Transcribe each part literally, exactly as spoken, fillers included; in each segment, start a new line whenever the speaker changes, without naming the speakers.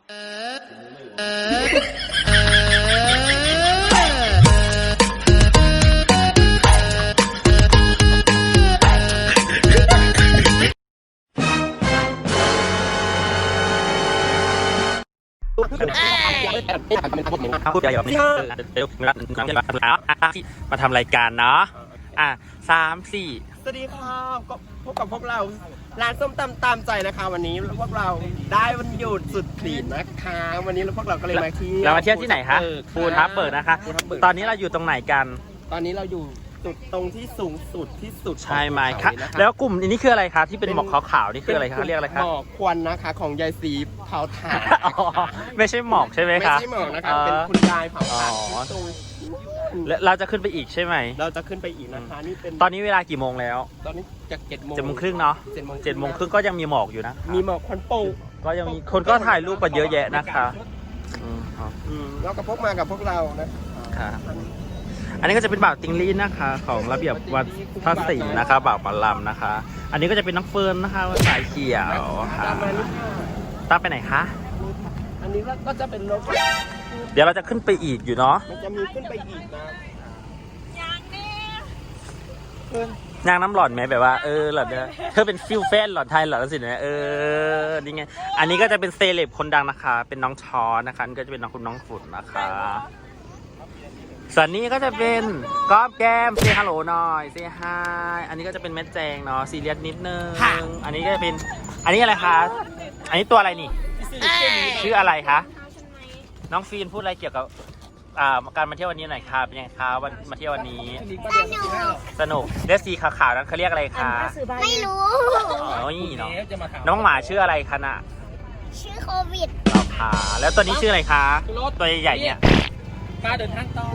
เขาพูดอะไรแบบนี้เดี๋ยวมามาทำรายการเนาะอ่ะสามสี่
สวัสดีค่ะก็พบกับพวกเราร้านส้มตำตามใจนะคะวันนี้พวกเราได้วันหยุดสุดขีดนะคะวันนี้พวกเราก็เลยมาเที่ยว
เรามาเที่ยวที่ไหนคะภูทับเบิกนะคะตอนนี้เราอยู่ตรงไหนกัน
ตอนนี้เราอยู่จุดตรงที่สูงสุดที่สุด
ใช่ไหมคะแล้วกลุ่มนี้คืออะไรคะที่เป็นหมอกขาวๆนี่คืออะไรคะเรียกอะไรคะ
หมอกควันนะคะของยายสีเผาถ่าน
ไม่ใช่หมอกใช่ไหมคะ
ไม่ใช่หมอกนะคะเป็นคุณยายเผาถ่าน
เราจะขึ้นไปอีกใช่ไหม
เราจะขึ้นไปอีกนะคะนี่เป็น
ตอนนี้เวลากี่โมงแล้ว
ตอนนี้จากเจ็ดโมง
เจ็ดโมงครึ่งเนาะเจ็ดโมงเจ็ดโมงครึ่งก็ยังมีหมอกอยู่นะ
มีหมอกควันโป่ง
ก็ยังมีคนก็ถ่ายรูปกันเยอะแยะนะคะ
อืมเราก็พกมากับพวกเรานะ
ค่ะอันนี้ก็จะเป็นบ่าวติงลี่นะคะของระเบียบวัดพระศิลป์นะคะบ่าวปลาลำนะคะ อันนี้ก็จะเป็นน้องเฟิร์นนะคะสายเขียวค่ะตามไปไหนคะ
อันนี้ก็จะเป็นรถ
เดี๋ยวเราจะขึ้นไปอีกอยู่เนาะ
มันจะมีขึ้นไปอีกนะ
ยางแน่
ยางน้ำหล่อนไหมแบบว่าเออหล่อนเนี่ยเธอเป็นฟิลแฟนหล่อนไทยหล่อนสินะเออนี่ไงอันนี้ก็จะเป็นเซเลบคนดังนะคะเป็นน้องชอนะคะนี่ก็จะเป็นน้องคุณน้องฝุ่นนะคะส่วนนี้ก็จะเป็นก๊อฟแก้มเซฮัลโหลหน่อยเซฮายอันนี้ก็จะเป็นแม่แจงเนาะซีเรียสนิดนึงอันนี้ก็จะเป็นอันนี้อะไรคะอันนี้ตัวอะไรนี่ชื่ออะไรคะน้องฟีนพูดอะไรเกี่ยวกับการมาเที่ยววันนี้หน่อยค่ะเป็นยังไงคะวันมาเที่ยววันนี้สนุกเลสซีขาวๆนั้นเขาเรียกอะไรคะ
ไม่รู้
อ๋อนี่เนาะน้องหมาชื่ออะไรคะน่ะ
ชื่อโควิด
เราค่ะแล้วตัวนี้ชื่ออะไรคะตัวใหญ่ๆเนี่ย
มาเดินทางต่อ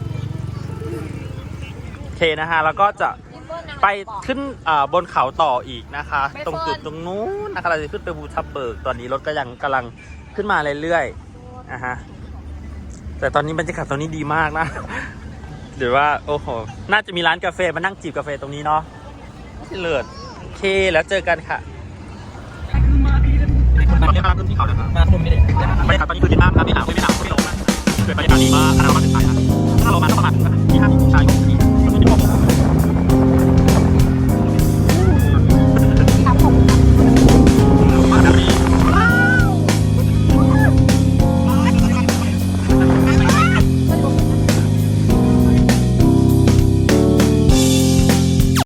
โอเคนะฮะแล้วก็จะไปขึ้นบนเขาต่ออีกนะคะตรงจุดตรงนู้นนะคะเราจะขึ้นไปภูทับเบิกตอนนี้รถก็ยังกำลังขึ้นมาเรื่อยๆนะฮะแต่ตอนนี้บรรยากาศตรงนี้ดีมากนะเดี๋ยวว่าโอ้โหน่าจะมีร้านกาแฟมานั่งจิบกาแฟตรงนี้เนาะเลิศโอเคแล้วเจอกันค่ะตอนนี้มาขึ้นที่เขาแล้วมาขึ้นไม่ได้บรรยากาศตอนนี้คือดีมากครับไม่หนาวไม่หนาวไม่ลงนะเกิดบรรยากาศดีมากขนาดเรามาถึงไปนะถ้าเรามาก็ประมาณที่ห้าสิบองศาอยู่ที่